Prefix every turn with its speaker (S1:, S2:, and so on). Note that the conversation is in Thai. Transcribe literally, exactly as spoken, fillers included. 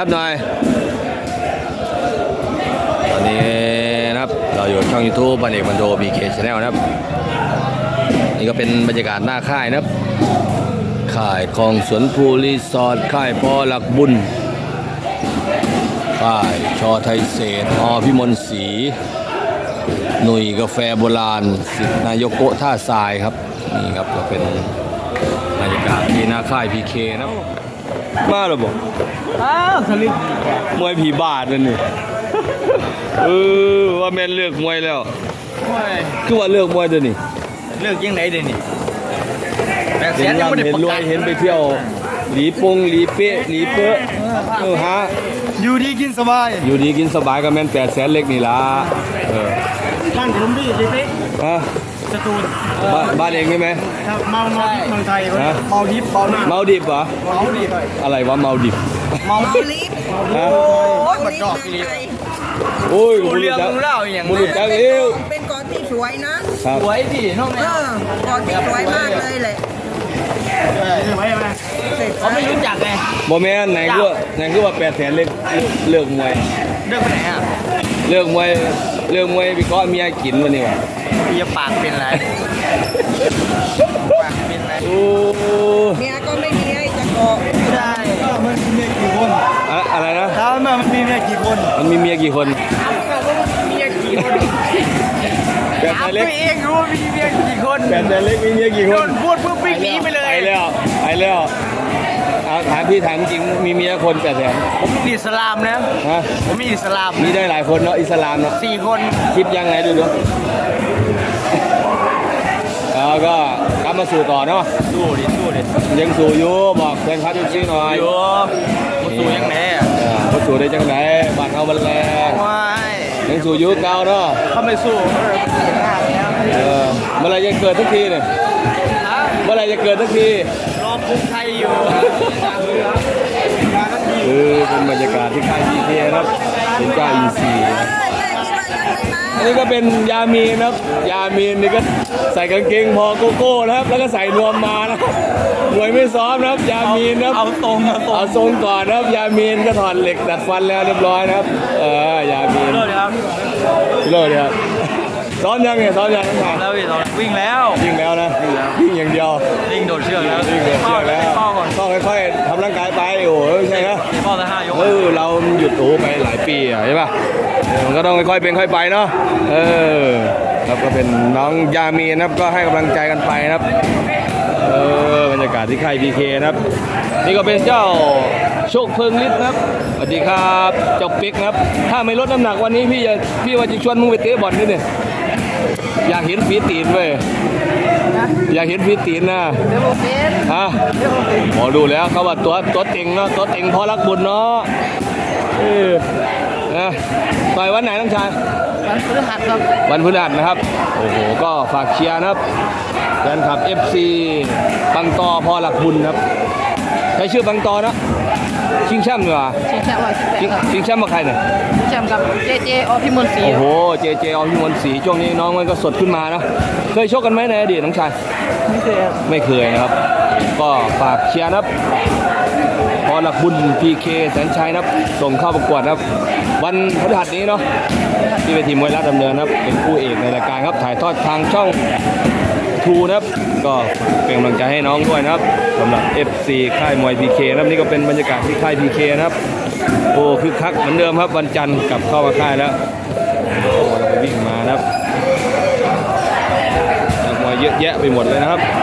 S1: บหน่อยตอนนี้นะครับเราอยู่ช่อง ยูทูบ พันเอกมันโด บี เค Channel นะครับนี่ก็เป็นบรรยากาศหน้าค่ายนะครับค่ายคลองสวนภูรีสอร์ทค่ายพอหลักบุญค่ายชอไทยเศษอพิมลศรีหนุ่ยกาแฟโบราณสิทธินายกโกท่าทรายครับนี่ครับก็เป็นบรรยากาศที่หน้าค่าย พี เค นะมาหรอบอก
S2: อ้าวสลิป
S1: มวยผีบาทนั่นนี่เออว่าแม่นเลือกมวยแล้วคือว่าเลือกมวยตัวนี้
S2: เลือกยังไงเดี๋ยวนี้
S1: เห็นร่ำเห็นรวยเห็นไปเที่ยวหลีปงหลีเป๊ะหลีเป๊ะเออฮะ
S2: อยู่ดีกินสบาย
S1: อยู่ดีกินสบายก็แม่นแปดแสนเล็กนี่ล่ะเออ
S2: บ้านผมพี่ดิเป๊ะ
S1: ฮะ
S2: สตูล
S1: บ้านเองใช่ไหม
S2: ครับเมาเมาเมืองไทยเมาดิบเมาหน้า
S1: เมาดิบเหรอ
S2: เมาดิบ
S1: อะไรวะเมาดิบ
S2: เมาลิบ
S1: ฮะ
S2: โอ้ยมันดอกลิบ
S1: โอ้ย
S2: มูเรื่องมูเล่าอย่าง
S1: มูเรื่องจังเอว
S3: เป็นกอที่สวยนะ
S2: สวยพี่น้องแม่
S3: กอที่สวยมากเลยแหละ
S2: เขาไม่รู้จักไง
S1: โมเมนต์ไหนก็ไหนก็ว่าแปดแสนเลิกเลิกมวย
S2: เลิกไปไหนอ่ะ
S1: เลิกมวยเลิกมวยพี่ก็เมียกินวันนี้วะ
S2: พี่ปากเป็นไรปากเป็นไร
S1: โอ้
S3: เมียก็ไม่มีให้จะเกาะ
S2: ใช่มันมีเมียกี่คน
S1: อะไรนะ
S2: ถามมามันมีเมียกี่คน
S1: มันมีเมียกี่คน
S2: เมียกี่คน
S1: แบบไหนเล็ก
S2: เองรู้ว่ามีเมียกี่คน
S1: แบบไหนเล็กมีเมียกี่คน
S2: พูดปุ๊บวิ่งหนีไปเลย
S1: ไปแล้วไปแล้วถามพี่ถามจริงมีเมียคนแปดแสน
S2: ผมมีอิสลามนะ
S1: ฮะ
S2: ผมมีอิสลาม
S1: มีได้หลายคนเนาะอิสลามเนาะ
S2: สี่คน
S1: คิดยังไงดูดูแล้วก็กลับมาสู่ต่อเนาะ
S2: สู้ดิสู้ดิ
S1: ยังสู่อยู่บอกแฟนคลับจริงๆหน่อย
S2: อยู่มาสู่ยังไงอ่ะ
S1: มาสู่ได้จังไหนบ้านเอาบันแรงยังสู่ยุคเก่าเนาะ
S2: เขาไม่สู้
S1: เออเมื่อไรจะเกิดทุกทีเนี่ยเมื่อไรจะเกิดทุกที
S2: รอคุกไทยอยู่
S1: คือเป็นบรรยากาศที่ค่าย พี เค ครับเป็นเจ้าอินซีอันนี้ก็เป็นยามีนครับยามีนนี่ก็ใส่กางเกงพอโกโก้นะครับแล้วก็ใส่นวมมานะมวยไม่ซ้อมนะครับยามีนครับ
S2: เอาตรง
S1: เอาทรงก่อนนะครับยามีนก็ถอดเหล็กดัดฟันแล้วเรียบร้อยนะครับเออยามีน
S2: เลิศครับ
S1: เลิศครับซ้อมยังไงซ้อมยังทั้ง
S2: แล้ววิ่งแล้ว
S1: วิ่งแล้วนะวิ่งแล้ววิ่งอย่างเดียว
S2: วิ่งโดดเชือกแล้ว
S1: วิ่งโดดเชือกแล้วต้องค่อยๆทำร่างกายไปโอ้ยใช่ไหม
S2: ป้อละห้ายก
S1: เออเราหยุดโอ้ไปหลายปีอ่ะใช่ป่ะมันก็ต้องค่อยๆเป็นค่อยไปเนาะเออครับก็เป็นน้องยามีนะครับก็ให้กำลังใจกันไปนะครับเออบรรยากาศที่ค่าย พี เค นะครับนี่ก็เป็นเจ้าโชคเพิงฤทธิ์นะครับสวัสดีครับเจ้าปิ๊กนะครับถ้าไม่ลดน้ำหนักวันนี้พี่จะพี่ว่าจะชวนมึงไปเตะบอลนี่เนี่ยอยากเห็นฝีตีนเว้ยอยากเห็นฝีตีนนะฮะหมอดูแล้วเขาว่าตัวตัวเต็งเนาะตัวเต็งพอรักบุญเนาะเออนะต่อยวันไหนน้องชาย
S2: วันพฤหัสครับ
S1: วันพฤหัสนะครับโอ้โหก็ฝากเชียร์นะครับแฟนคลับ เอฟ ซี บังตอพอหลักบุญครับใช้ชื่อบังตอนะชิงแชมป์เหรอ
S2: ชิงแชมป์ว่า
S1: ชิงแชมป์มาใครเนี่ย
S2: ชิงแชมป์กับเจเจอพิมลศรี
S1: โอ้โหเจเจอพิมลศรีช่วงนี้น้องมันก็สดขึ้นมานะเคยชกกันไหมในอดีตน้องชาย
S2: ไม่เคย
S1: ไม่เคยนะครับก็ฝากเชียร์นะครับพอหลักบุญ พี เค แสนชัยนะครับส่งเข้าประกวดนะครับวันพฤหัสนี้เนาะที่เวทีมวยราชดำเนินนะครับเป็นคู่เอกในรายการครับถ่ายทอดทางช่องทูนะครับก็เป็นกำลังใจให้น้องด้วยนะครับสำหรับ เอฟ ซี ค่ายมวย พี เค นะครับนี่ก็เป็นบรรยากาศที่ค่าย พี เค นะครับโอ้คึกคักเหมือนเดิมครับวันจันทร์กลับเข้ามาค่ายแล้วเราไปวิ่งมานะครับมวยเยอะแยะไปหมดเลยนะครับ